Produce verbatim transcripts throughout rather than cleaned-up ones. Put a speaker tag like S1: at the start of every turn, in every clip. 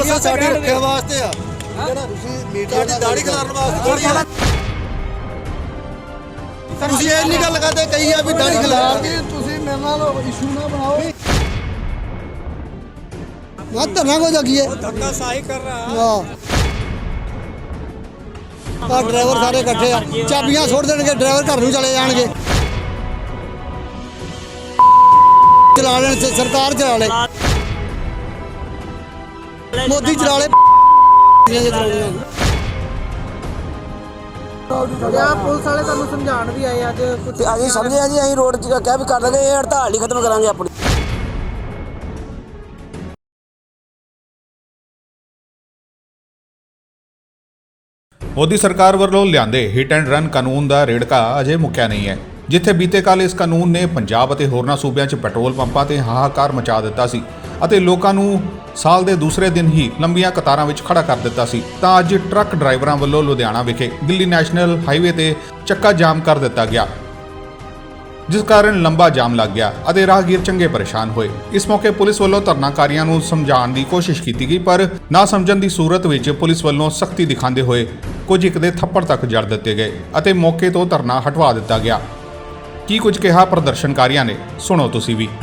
S1: Police ਸਾਡੀ ਰੱਖਿਆ ਵਾਸਤੇ ਆ ਤੁਸੀਂ ਮੀਡੀਆ ਦੀ ਦਾੜੀ ਖਿਲਾਰਨ ਵਾਸਤੇ ਥੋੜੀ ਆ ਤੁਸੀਂ ਇਹ ਨਹੀਂ ਗੱਲ ਕਰਦੇ ਕਈ ਆ ਵੀ ਦਾੜੀ ਖਿਲਾਰਨੀ ਤੁਸੀਂ ਮੇਰੇ ਨਾਲ ਇਸ਼ੂ ਨਾ ਬਣਾਓ ਮੈਂ ਧਰਨਾ ਕੋ ਜਗੀਏ ਧੱਕਾ ਸਾਈ ਕਰ ਰਹਾ ਆ ਡਰਾਈਵਰ ਸਾਰੇ ਇਕੱਠੇ ਆ ਚਾਬੀਆਂ ਛੋੜ ਦੇਣਗੇ ਡਰਾਈਵਰ ਘਰ ਨੂੰ ਚਲੇ ਜਾਣਗੇ ਚਲਾ ਲੈਣ ਸਰਕਾਰ ਚਲਾ ਲੈ ਮੋਦੀ ਚਲਾ ਲੈ
S2: ਪੁਲਿਸ ਵਾਲੇ ਤੁਹਾਨੂੰ ਸਮਝਾਉਣ ਵੀ ਆਏ ਅੱਜ ਕੁਝ
S3: ਅਸੀਂ ਸਮਝੇ ਆ ਜੀ ਅਸੀਂ ਰੋਡ 'ਚ ਕਹਿ ਵੀ ਕਰ ਦਾਂਗੇ ਇਹ ਹੜਤਾਲ ਹੀ ਖਤਮ ਕਰਾਂਗੇ ਆਪਣੀ।
S4: ਮੋਦੀ ਸਰਕਾਰ ਵੱਲੋਂ ਲਿਆਂਦੇ ਹਿੱਟ ਐਂਡ ਰਨ ਕਾਨੂੰਨ ਦਾ ਰੇੜਕਾ ਅਜੇ ਮੁੱਕਿਆ ਨਹੀਂ ਹੈ, ਜਿੱਥੇ ਬੀਤੇ ਕੱਲ ਇਸ ਕਾਨੂੰਨ ਨੇ ਪੰਜਾਬ ਅਤੇ ਹੋਰਨਾਂ ਸੂਬਿਆਂ 'ਚ ਪੈਟਰੋਲ ਪੰਪਾਂ ਤੇ ਹਾਹਾਕਾਰ ਮਚਾ ਦਿੱਤਾ ਸੀ ਅਤੇ ਲੋਕਾਂ ਨੂੰ ਸਾਲ ਦੇ ਦੂਸਰੇ ਦਿਨ ਹੀ ਲੰਬੀਆਂ ਕਤਾਰਾਂ ਵਿੱਚ ਖੜਾ ਕਰ ਦਿੱਤਾ ਸੀ, ਤਾਂ ਅੱਜ ਟਰੱਕ ਡਰਾਈਵਰਾਂ ਵੱਲੋਂ ਲੁਧਿਆਣਾ ਵਿਖੇ ਦਿੱਲੀ ਨੈਸ਼ਨਲ ਹਾਈਵੇ ਤੇ ਚੱਕਾ ਜਾਮ ਕਰ ਦਿੱਤਾ ਗਿਆ, ਜਿਸ ਕਾਰਨ ਲੰਬਾ ਜਾਮ ਲੱਗ ਗਿਆ ਅਤੇ ਰਾਹਗੀਰ ਚੰਗੇ ਪਰੇਸ਼ਾਨ ਹੋਏ। ਇਸ ਮੌਕੇ ਪੁਲਿਸ ਵੱਲੋਂ ਧਰਨਾਕਾਰੀਆਂ ਨੂੰ ਸਮਝਾਉਣ ਦੀ ਕੋਸ਼ਿਸ਼ ਕੀਤੀ ਗਈ, ਪਰ ਨਾ ਸਮਝਣ ਦੀ ਸੂਰਤ ਵਿੱਚ ਪੁਲਿਸ ਵੱਲੋਂ ਸਖਤੀ ਦਿਖਾਉਂਦੇ ਹੋਏ ਕੁਝ ਇੱਕ ਦੇ ਥੱਪੜ ਤੱਕ ਜੜ ਦਿੱਤੇ ਗਏ ਅਤੇ ਮੌਕੇ ਤੋਂ ਧਰਨਾ ਹਟਵਾ ਦਿੱਤਾ ਗਿਆ। ਕੀ ਕੁਝ ਕਿਹਾ ਪ੍ਰਦਰਸ਼ਨਕਾਰੀਆਂ ਨੇ, ਸੁਣੋ ਤੁਸੀਂ ਵੀ।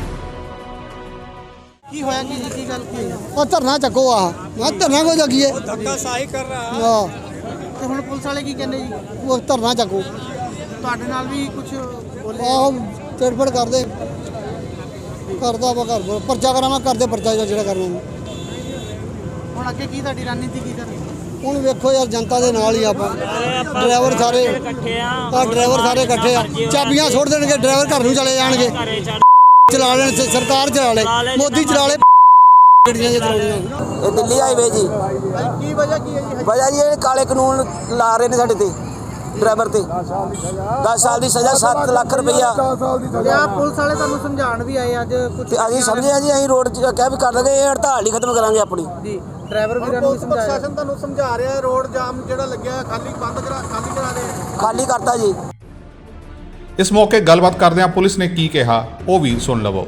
S2: ਕੀ ਹੋਇਆ ਕੀ ਕੀ ਗੱਲ ਕੀ ਹੋਈ?
S1: ਉਹ ਧਰਨਾ ਚੱਕੋ ਆ ਮੈਂ ਧਰਨਾ ਕੋ ਜਗੀਏ
S2: ਧੱਕਾ ਸਾਈ ਕਰ ਰਹਾ
S1: ਹਾਂ
S2: ਤੇ ਹੁਣ ਪੁਲਿਸ ਵਾਲੇ ਕੀ ਕਹਿੰਦੇ ਜੀ?
S1: ਉਹ ਧਰਨਾ ਚੱਕੋ
S2: ਤੁਹਾਡੇ ਨਾਲ ਵੀ ਕੁਝ ਬੋਲੇ?
S1: ਆਹ ਤੇੜਫੜ ਕਰਦੇ ਕਰਦਾ ਵਾ ਘਰ ਪਰਚਾ ਕਰਾਵਾਂ ਕਰਦੇ ਪਰਚਾ ਜਿਹੜਾ ਕਰਨਾ।
S2: ਹੁਣ ਅੱਗੇ ਕੀ ਤੁਹਾਡੀ ਰਣਨੀਤੀ ਕੀ ਕਰ?
S1: ਹੁਣ ਵੇਖੋ ਯਾਰ ਜਨਤਾ ਦੇ ਨਾਲ ਹੀ ਆਪਾਂ ਡਰਾਈਵਰ ਸਾਰੇ ਇਕੱਠੇ ਆ ਆ ਡਰਾਈਵਰ ਸਾਰੇ ਇਕੱਠੇ ਆ ਚਾਬੀਆਂ ਛੋੜ ਦੇਣਗੇ ਡਰਾਈਵਰ ਘਰ ਨੂੰ ਚਲੇ ਜਾਣਗੇ ਚਲਾ ਲੈਣ ਸਰਕਾਰ ਚਲਾ ਲੈ ਮੋਦੀ ਚਲਾ ਲੈ ਗੱਡੀਆਂ ਜੇ ਚਲਾਉਣੀਆਂ।
S3: ਇਹ ਦਿੱਲੀ ਹਾਈਵੇ ਜੀ
S2: ਕੀ ਵਜ੍ਹਾ ਕੀ ਹੈ ਜੀ?
S3: ਵਜ੍ਹਾ ਜੀ ਇਹ ਕਾਲੇ ਕਾਨੂੰਨ ਲਾ ਰਹੇ ਨੇ ਸਾਡੇ ਤੇ ਡਰਾਈਵਰ ਤੇ ਦਸ ਸਾਲ ਦੀ ਸਜ਼ਾ ਸੱਤ ਲੱਖ ਰੁਪਈਆ।
S2: ਲਿਆ ਪੁਲਿਸ ਵਾਲੇ ਤੁਹਾਨੂੰ ਸਮਝਾਉਣ ਵੀ ਆਏ ਅੱਜ ਕੁਝ
S3: ਤੇ ਅਸੀਂ ਸਮਝੇ ਆ ਜੀ ਅਸੀਂ ਰੋਡ 'ਚ ਕਹਿ ਵੀ ਕਰ ਦਾਂਗੇ ਇਹ ਹੜਤਾਲ ਹੀ ਖਤਮ ਕਰਾਂਗੇ ਆਪਣੀ।
S2: ਜੀ ਡਰਾਈਵਰ ਵੀਰਾਂ ਨੂੰ ਸਮਝਾਇਆ
S1: ਪ੍ਰਸ਼ਾਸਨ ਤੁਹਾਨੂੰ ਸਮਝਾ ਰਿਹਾ ਰੋਡ ਜਾਮ ਜਿਹੜਾ ਲੱਗਿਆ ਖਾਲੀ ਬੰਦ ਕਰਾ ਖਾਲੀ ਕਰਾ ਦੇ
S3: ਖਾਲੀ ਕਰਤਾ ਜੀ।
S4: ਇਸ ਮੌਕੇ ਗੱਲਬਾਤ ਕਰਦਿਆਂ ਪੁਲਿਸ ਨੇ ਕੀ ਕਿਹਾ ਉਹ ਵੀ ਸੁਣ ਲਵੋ।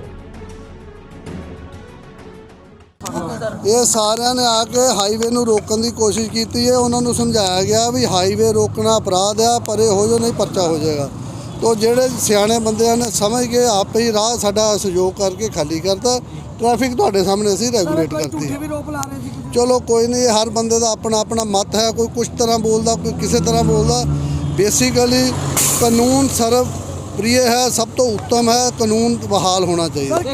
S5: ਇਹ ਸਾਰਿਆਂ ਨੇ ਆ ਕੇ ਹਾਈਵੇ ਨੂੰ ਰੋਕਣ ਦੀ ਕੋਸ਼ਿਸ਼ ਕੀਤੀ ਹੈ। ਉਹਨਾਂ ਨੂੰ ਸਮਝਾਇਆ ਗਿਆ ਵੀ ਹਾਈਵੇ ਰੋਕਣਾ ਅਪਰਾਧ ਆ, ਪਰੇ ਹੋ ਜਾਓ ਨਹੀਂ ਪਰਚਾ ਹੋ ਜਾਏਗਾ। ਤੋ ਜਿਹੜੇ ਸਿਆਣੇ ਬੰਦਿਆਂ ਨੇ ਸਮਝ ਕੇ ਆਪੇ ਹੀ ਰਾਹ ਸਾਡਾ ਸਹਿਯੋਗ ਕਰਕੇ ਖਾਲੀ ਕਰਤਾ। ਟ੍ਰੈਫਿਕ ਤੁਹਾਡੇ ਸਾਹਮਣੇ ਅਸੀਂ ਰੈਗੂਲੇਟ ਕਰਤੀ ਹੈ। ਚਲੋ ਕੋਈ ਨਹੀਂ, ਹਰ ਬੰਦੇ ਦਾ ਆਪਣਾ ਆਪਣਾ ਮਤ ਹੈ, ਕੋਈ ਕੁਛ ਤਰ੍ਹਾਂ ਬੋਲਦਾ ਕੋਈ ਕਿਸੇ ਤਰ੍ਹਾਂ ਬੋਲਦਾ। ਬੇਸਿਕਲੀ ਕਾਨੂੰਨ ਸਰਵ ਪ੍ਰਿय ਹੈ, ਸਭ ਤੋਂ ਉੱਤਮ ਹੈ, ਕਾਨੂੰਨ ਬਹਾਲ ਹੋਣਾ ਚਾਹੀਦਾ।